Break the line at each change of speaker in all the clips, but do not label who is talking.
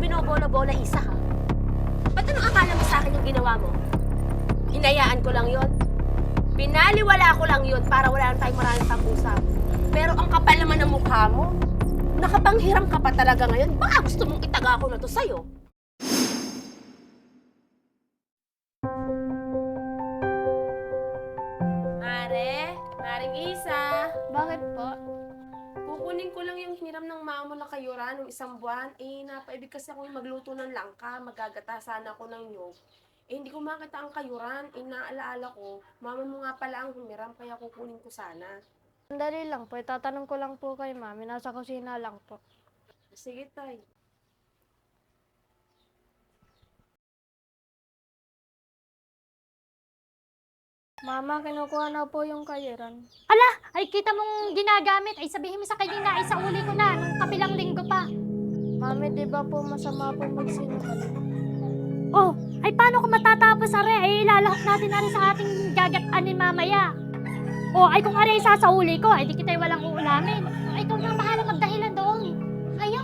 binobola-bola, Isa, ha? Ba't anong akala mo sa akin yung ginawa mo? Hinayaan ko lang yon. Binaliwala ko lang yun para wala lang tayong maraming pag-usap. Pero ang kapal naman ng mukha mo. Nakapanghiram ka pa talaga ngayon. Baka gusto mong itaga ko na to sa'yo. Maring Isa.
Bakit po?
Kukunin ko lang yung hiniram ng mama mo na kayuran ng isang buwan. Napaibig kasi ako yung magluto ng langka. Magagata sana ako ng nyog. Hindi ko makita ang kayuran. Naalaala ko, mama mo nga pala ang humiram, kaya kukunin ko sana.
Sandali lang po, itatanong ko lang po kay mami. Nasa kusina lang po.
Sige, tay.
Mama, kinukuha na po yung kayiran.
Ala, ay kita mong ginagamit. Ay sabihin mo sa kanina, ay sa uli ko na, nung kabilang linggo pa.
Mami, di ba po masama po magsinungaling?
Oh, ay paano kung matatapos are? Ay ilalahok natin are sa ating gagataan mamaya. Oh, ay kung are isasauli ko, ay di kita'y walang uulamin. Ay ikaw na bahala magdahilan doon. Ayaw.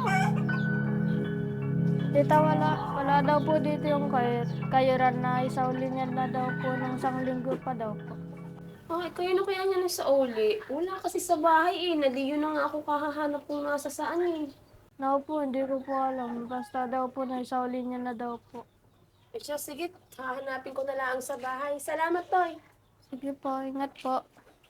Tita, wala daw po dito yung kayiran na isauli niya na daw po ng isang linggo pa daw po.
Ay, kayo na kaya niya na sa uli. Wala kasi sa bahay Naliyo na nga ako kahahanap kung nasa saan
Naku po, hindi ko po alam. Basta daw po na isauli niya na daw po.
Siya, sige. Hahanapin ko na lang sa bahay. Salamat, Toy.
Sige po, ingat po.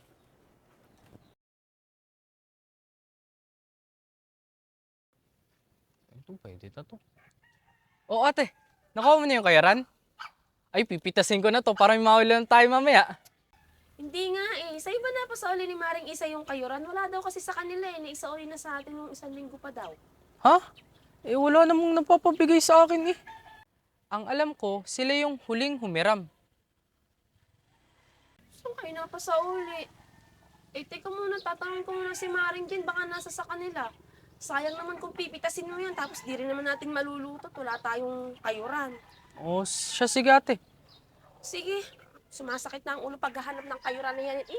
Ito, pwede na to. Oo ate, nakuha mo na yung kayaran? Ay, pipitasin ko na to para may mahulan tayo mamaya.
Hindi nga Sa iba na pa sa uli ni Maring Isa yung kayuran. Wala daw kasi sa kanila Naisauli na sa atin ng isang linggo pa daw.
Ha? Wala namang napapabigay sa akin eh. Ang alam ko, sila yung huling humiram.
Saan kayo na pa sa uli? Teka muna, tatanungin ko muna si Maring Jen. Baka nasa sa kanila. Sayang naman kung pipitasin mo yan. Tapos di rin naman natin maluluto. Wala tayong kayuran.
Oo, siya sige ate.
Sige. Sumasakit na ang ulo paghahanap ng kayuran na yan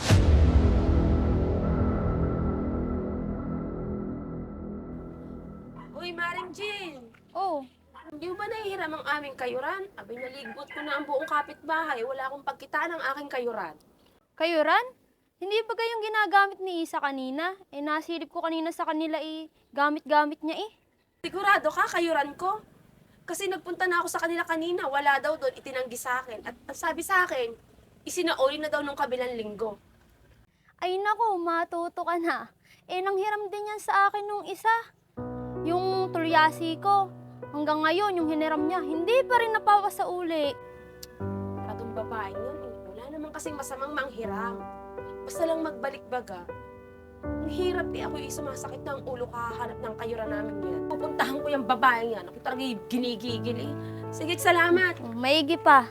Uy, Maring Jean!
Oh,
Hindi mo ba nahihiram ang aming kayuran? Abay, naligbot ko na ang buong kapitbahay. Wala akong pagkitaan ng aking kayuran.
kayuran? Hindi ba kayong ginagamit ni Isa kanina? Nasilip ko kanina sa kanila gamit-gamit niya
Sigurado ka, kayuran ko? Kasi nagpunta na ako sa kanila kanina. Wala daw doon, itinanggi sa akin. At ang sabi sa akin, isinauli na daw nung kabilang linggo.
Ay nako, matuto ka na. Nanghiram din yan sa akin nung isa. Yung tulyasi ko. Hanggang ngayon, yung hiniram niya, hindi pa rin napawa sa uli.
Katong babae yun Wala naman kasing masamang manghiram. Basta lang magbalik baga. Ang hirap ako sumasakit na ang ulo kahanap ng kayuran namin yan. Pupuntahan ko yung babae yan. Ako talaga ginigigil Sige, salamat.
Maigi pa.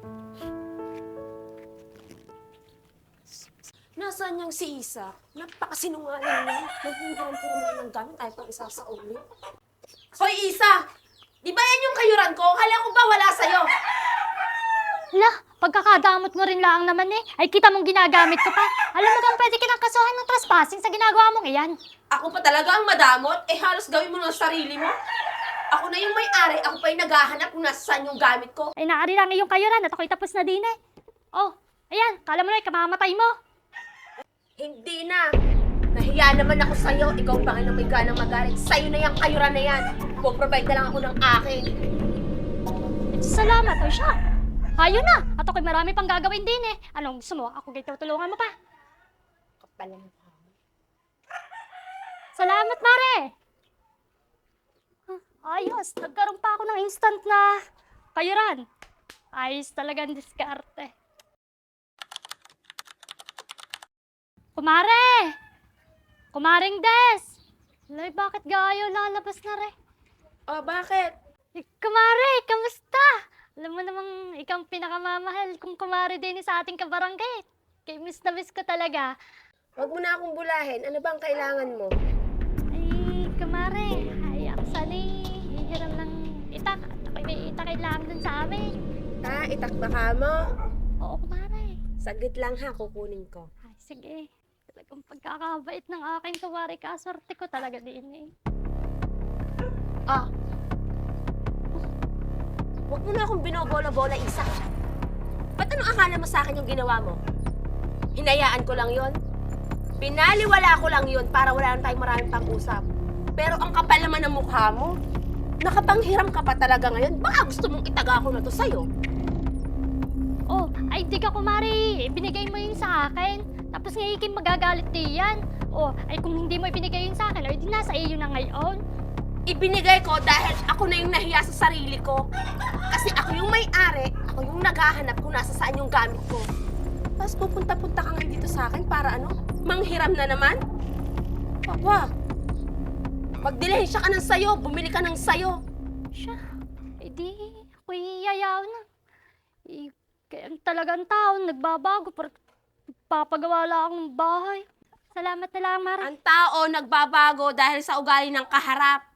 Nasaan yung si Isa? Napakasinungaling yan. Naghihiram-hiram lang ng gamit ayaw pang isa sa ulo. Hoy, Isa! Di ba yan yung kayuran ko? Kala ko ba wala sa'yo?
Ala, pagkakadamot mo rin lang naman ay kita mong ginagamit ko pa. Alam mo bang pwede kitang kasuhan ng trespassing sa ginagawa mong iyan?
Ako pa talaga ang madamot? Halos gawin mo ng sarili mo? Ako na yung may-ari, ako pa yung naghahanap kung nasaan yung gamit ko.
Ay naari lang iyong kayuran at ako'y tapos na din Oh, ayan, kala mo na kamamatay mo.
Hindi na. Nahiya naman ako sa'yo. Ikaw pa nga na may ganang magalit. Sa'yo na yung kayuran na yan. Puprovide na lang ako ng akin.
Salamat, o siya. Hayo na, at ako'y marami pang gagawin din Anong gusto mo? Ako kayo tutulungan mo pa.
Kapala mo.
Salamat, Mare! Ayos, nagkaroon pa ako ng instant na kayuran. Ayos talagang diskarte. Kumare! Kumaring Des! Lay, bakit gayo lalabas na
Oh, bakit?
Kumare, kamusta? Alam mo namang ikaw ang pinakamamahal kung kumare din sa ating kabarangay. Kay miss na miss ko talaga.
Huwag mo na akong bulahin. Ano bang kailangan mo?
Ay, kumare, ay ako sana'y hihiram ng itak. At ako'y may itak kailangan dun sa amin.
Itakba ka mo?
Oo, kumare.
Saglit lang ha, kukunin ko.
Ay, sige. Talagang pagkakabait ng aking kumare, kaswerte ko talaga din
Ah, Huwag mo na akong binobola-bola, Isa. Ba't anong akala mo sa akin yung ginawa mo? Hinayaan ko lang yon. Pinaliwala ko lang yon para wala na tayong maraming pang-usap. Pero ang kapal naman ng mukha mo. Nakapanghiram ka pa talaga ngayon. Baka gusto mong itaga ko na to sa'yo.
Oh, ay di ka kumari. Binigay mo yun sa akin. Tapos ngayon magagalit di yan. Oh, ay kung hindi mo ibinigay yun sa akin, ay di nasa iyo na ngayon.
Ibinigay ko dahil ako na yung nahiya sa sarili ko. Kasi ako yung may-ari, ako yung naghahanap kung nasa saan yung gamit ko. Tapos pupunta-punta ka ngayon dito sa akin para ano? Manghiram na naman? Papa, magdilihensya ka ng sayo, bumili ka ng sayo.
Siya, eh di, ako'y yayaw na. Eh, kaya talagang tao, nagbabago, papagawa lang ng bahay. Salamat na lang, Mare.
Ang tao nagbabago dahil sa ugali ng kaharap.